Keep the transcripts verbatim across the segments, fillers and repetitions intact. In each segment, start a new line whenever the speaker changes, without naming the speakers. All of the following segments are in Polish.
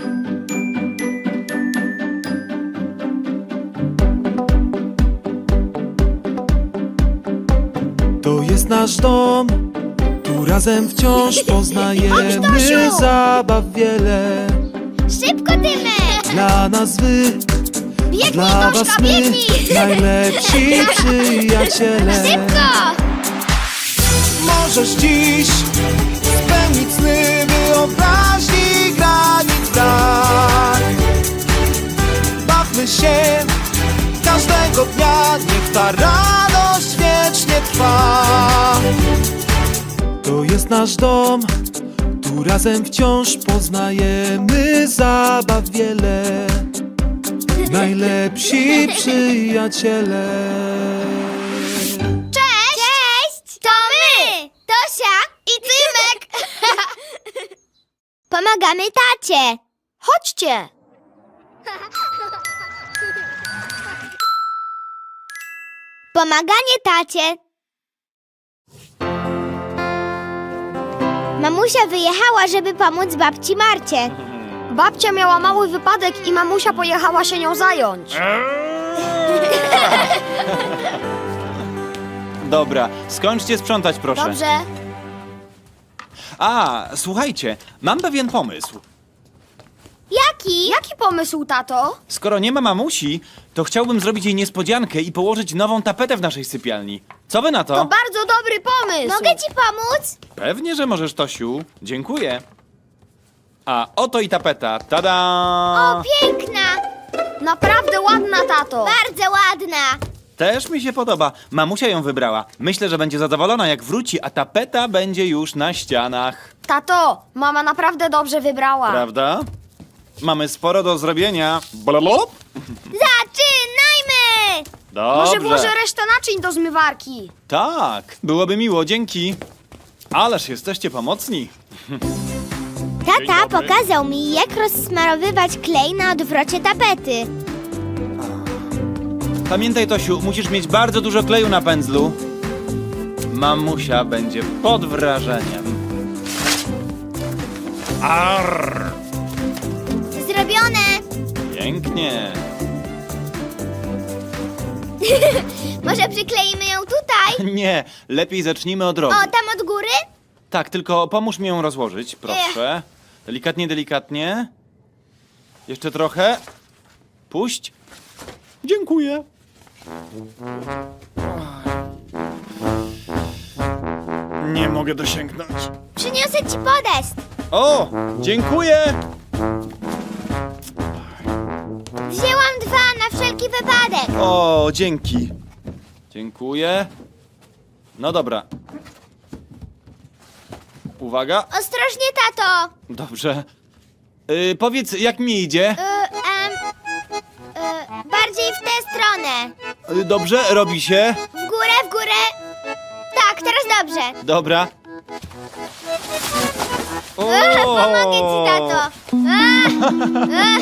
To jest nasz dom, tu razem wciąż poznajemy
Tosiu!
zabaw wiele.
Szybko, Tymek!
Dla nas wy,
Biegnij,
dla
Toszka,
was my,
biegnij!
najlepsi przyjaciele.
Szybko!
Możesz dziś spełnić sny wyobraźni granic brak. Bawmy się każdego dnia, niech ta radość wiecznie trwa. To jest nasz dom, tu razem wciąż poznajemy zabaw wiele. Najlepsi przyjaciele.
Cześć! Cześć! To my! Tosia i Tymek! Pomagamy tacie! Chodźcie! Pomaganie tacie. Mamusia wyjechała, żeby pomóc babci Marcie.
Babcia miała mały wypadek i mamusia pojechała się nią zająć.
Dobra, skończcie sprzątać, proszę.
Dobrze.
A, słuchajcie, mam pewien pomysł.
Jaki?
Jaki pomysł, tato?
Skoro nie ma mamusi, to chciałbym zrobić jej niespodziankę i położyć nową tapetę w naszej sypialni. Co wy na to?
To bardzo dobry pomysł.
Mogę ci pomóc?
Pewnie, że możesz, Tosiu. Dziękuję. A oto i tapeta. Tada!
O, piękna!
Naprawdę ładna, tato.
Bardzo ładna!
Też mi się podoba. Mamusia ją wybrała. Myślę, że będzie zadowolona, jak wróci, a tapeta będzie już na ścianach.
Tato, mama naprawdę dobrze wybrała.
Prawda? Mamy sporo do zrobienia. Blablabla.
Zaczynajmy!
Dobrze.
Może włożę resztę naczyń do zmywarki.
Tak, byłoby miło, dzięki. Ależ jesteście pomocni.
Tata pokazał mi, jak rozsmarowywać klej na odwrocie tapety.
Pamiętaj, Tosiu, musisz mieć bardzo dużo kleju na pędzlu. Mamusia będzie pod wrażeniem. Arr,
Zrobione!
pięknie.
Może przykleimy ją tutaj?
Nie, lepiej zacznijmy od rogu.
O, tam od góry?
Tak, tylko pomóż mi ją rozłożyć, proszę. Delikatnie, delikatnie. Jeszcze trochę. Puść. Dziękuję. Nie mogę dosięgnąć.
Przyniosę ci podest.
O, dziękuję.
Wzięłam dwa na wszelki wypadek.
O, dzięki. Dziękuję. No dobra. Uwaga.
Ostrożnie, tato.
Dobrze. Yy, powiedz, jak mi idzie?
Y, em, y, bardziej w tę stronę.
Yy, dobrze, robi się.
W górę, w górę. Tak, teraz dobrze.
Dobra. O!
Pomogę ci, tato. A, a.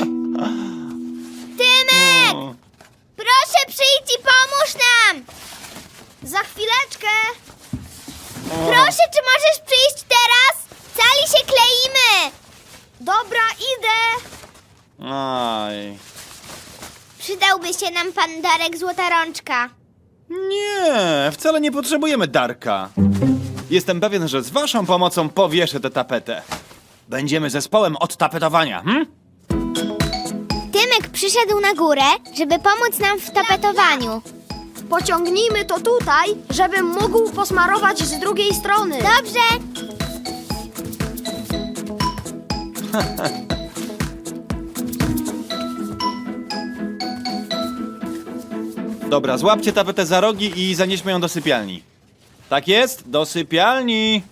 Tymek!
O.
Proszę przyjdź i pomóż nam!
Za chwileczkę.
Proszę, czy możesz przyjść teraz? Cali się kleimy!
Dobra, idę.
Aj.
Przydałby się nam pan Darek Złota Rączka.
Nie, wcale nie potrzebujemy Darka. Jestem pewien, że z waszą pomocą powieszę tę tapetę. Będziemy zespołem od tapetowania, hm?
Tymek przyszedł na górę, żeby pomóc nam w tapetowaniu.
Pociągnijmy to tutaj, żebym mógł posmarować z drugiej strony.
Dobrze.
Dobra, złapcie tapetę za rogi i zanieśmy ją do sypialni. Tak jest, do sypialni.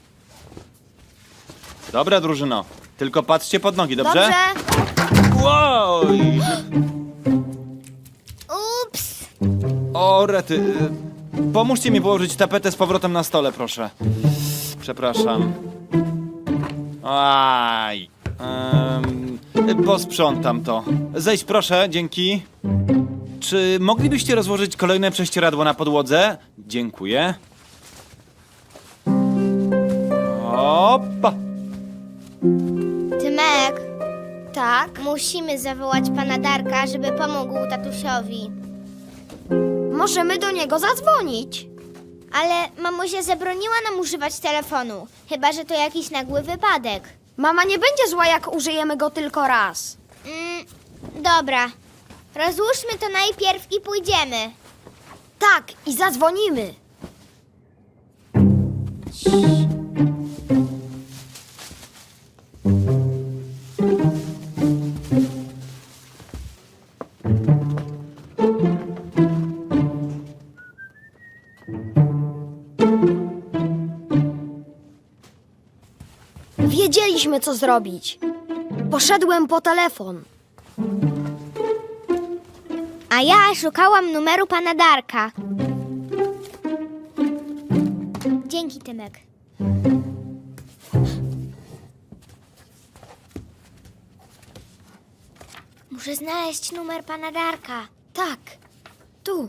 Dobra, drużyno. Tylko patrzcie pod nogi, dobrze?
Dobrze.
Wow!
Ups.
O, rety. y, Pomóżcie mi położyć tapetę z powrotem na stole, proszę. Przepraszam. Aj. Um, posprzątam to. Zejdź proszę, dzięki. Czy moglibyście rozłożyć kolejne prześcieradło na podłodze? Dziękuję. Opa.
Tymek,
Tak?
Musimy zawołać pana Darka, żeby pomógł tatusiowi.
Możemy do niego zadzwonić.
Ale mamusia zabroniła nam używać telefonu. Chyba że to jakiś nagły wypadek.
Mama nie będzie zła, jak użyjemy go tylko raz.
Mm, dobra. Rozłóżmy to najpierw i pójdziemy.
Tak, i zadzwonimy. Wiedzieliśmy, co zrobić. Poszedłem po telefon.
A ja szukałam numeru pana Darka. Dzięki, Tymek. Muszę znaleźć numer pana Darka.
Tak, tu.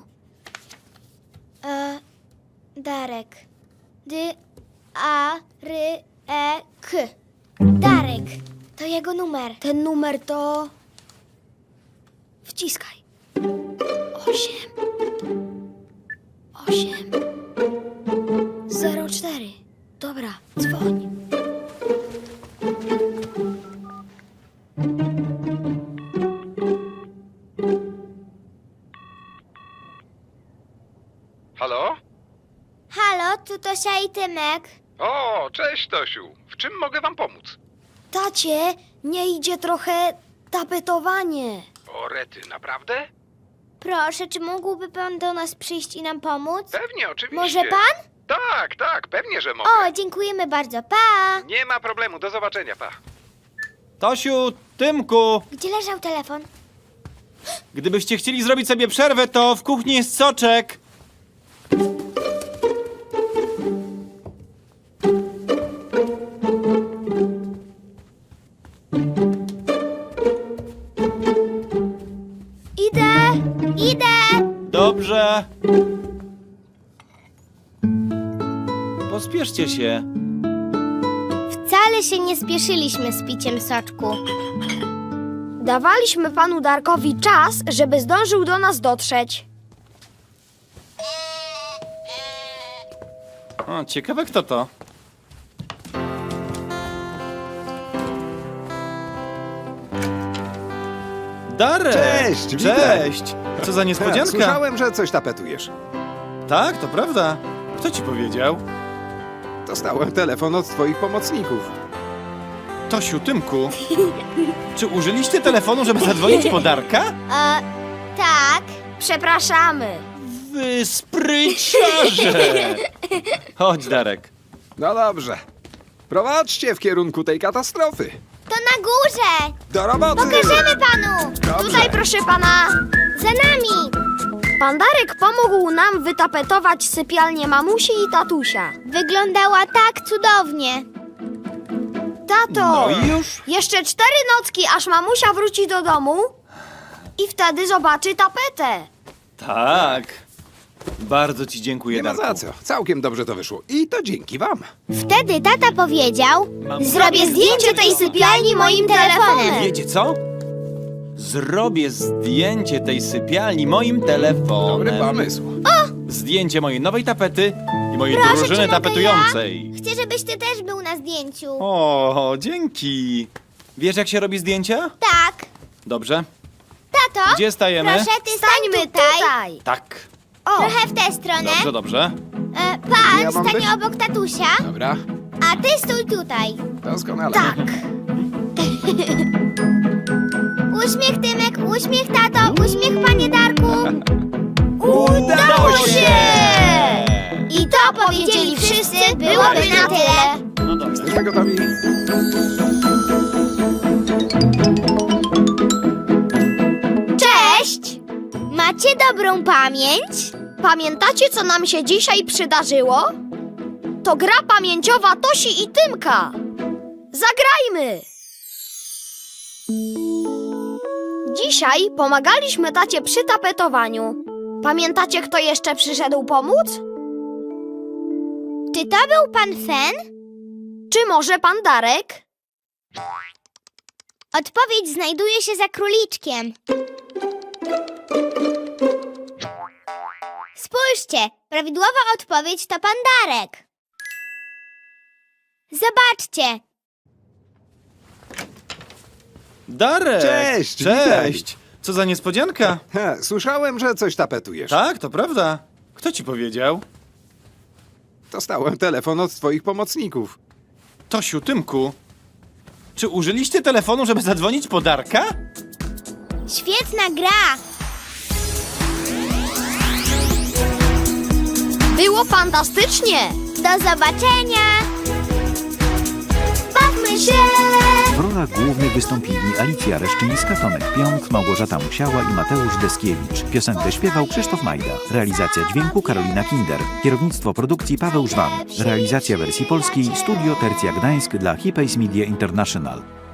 E, Darek. D A R E K. Darek. To jego numer.
Ten numer to... Wciskaj. Osiem. Osiem. Zero cztery. Dobra, dzwoń.
Halo?
Halo, tu Tosia i Tymek.
O, cześć Tosiu. W czym mogę wam pomóc?
Tacie, nie idzie trochę tapetowanie.
O, rety, naprawdę?
Proszę, czy mógłby pan do nas przyjść i nam pomóc?
Pewnie, oczywiście.
Może pan?
Tak, tak, pewnie, że mogę.
O, dziękujemy bardzo. Pa!
Nie ma problemu, do zobaczenia, pa.
Tosiu, Tymku,
Gdzie leżał telefon?
gdybyście chcieli zrobić sobie przerwę, to w kuchni jest soczek.
Idę! Idę!
Dobrze. Pospieszcie się.
Wcale się nie spieszyliśmy z piciem soczku.
Dawaliśmy panu Darkowi czas, żeby zdążył do nas dotrzeć.
O, ciekawe kto to. Darek!
Cześć, witaj.
Cześć! Co za niespodzianka?
Słyszałem, że coś tapetujesz.
Tak, to prawda. Kto ci powiedział?
Dostałem telefon od twoich pomocników.
Tosiu, Tymku. Czy użyliście telefonu, żeby zadzwonić po Darka?
E, tak.
Przepraszamy.
Wy spryciarze! Chodź, Darek.
No dobrze. Prowadźcie w kierunku tej katastrofy.
To na górze!
Do roboty!
Pokażemy panu!
Dobrze.
Tutaj, proszę pana.
Za nami!
Pan Darek pomógł nam wytapetować sypialnię mamusi i tatusia.
Wyglądała tak cudownie.
Tato!
No i już?
Jeszcze cztery nocki, aż mamusia wróci do domu i wtedy zobaczy tapetę.
Tak. Bardzo ci dziękuję,
Nie ma
Darku.
za co. Całkiem dobrze to wyszło. I to dzięki wam.
Wtedy tata powiedział:
Mam-
zrobię zdjęcie tej sypialni moim telefonem.
Wiecie co? Zrobię zdjęcie tej sypialni moim telefonem.
Dobry pomysł.
Zdjęcie mojej nowej tapety i mojej
Proszę, czy
drużyny
mogę
tapetującej.
Chcę, żebyś ty też był na zdjęciu.
O, dzięki. Wiesz, jak się robi zdjęcia?
Tak.
Dobrze.
Tato,
Gdzie stajemy?
proszę, ty stań
Stańmy
tutaj.
tutaj.
Tak.
O,
Trochę w tę stronę.
Dobrze, dobrze.
E, pan
Ja mam
stanie
być?
obok tatusia,
Dobra,
a ty stój tutaj.
doskonale.
tak.
Uśmiech, Tymek, uśmiech, tato, uśmiech, panie Darku.
Udało się!
I to powiedzieli wszyscy, byłoby na tyle.
No dobrze.
Jesteśmy gotowi.
Cześć! Macie dobrą pamięć?
Pamiętacie, co nam się dzisiaj przydarzyło? To gra pamięciowa Tosi i Tymka. Zagrajmy! Dzisiaj pomagaliśmy tacie przy tapetowaniu. Pamiętacie, kto jeszcze przyszedł pomóc?
Czy to był pan Fen?
Czy może pan Darek?
Odpowiedź znajduje się za króliczkiem. Spójrzcie, prawidłowa odpowiedź to pandarek. Zobaczcie,
Darek!
Cześć,
Cześć! Co za niespodzianka?
He, słyszałem, że coś tapetujesz.
Tak, to prawda. Kto ci powiedział?
Dostałem telefon od twoich pomocników.
Tosiu, Tymku. Czy użyliście telefonu, żeby zadzwonić po Darka?
świetna gra.
Było fantastycznie!
Do zobaczenia. Bawmy się.
W rolach głównych wystąpili Alicja Reszczyńska, Tomek Pionk, Małgorzata Musiała i Mateusz Deskiewicz. Piosenkę śpiewał Krzysztof Majda. Realizacja dźwięku Karolina Kinder. Kierownictwo produkcji Paweł Żwan. Realizacja wersji polskiej Studio Tercja Gdańsk dla Hipays Media International.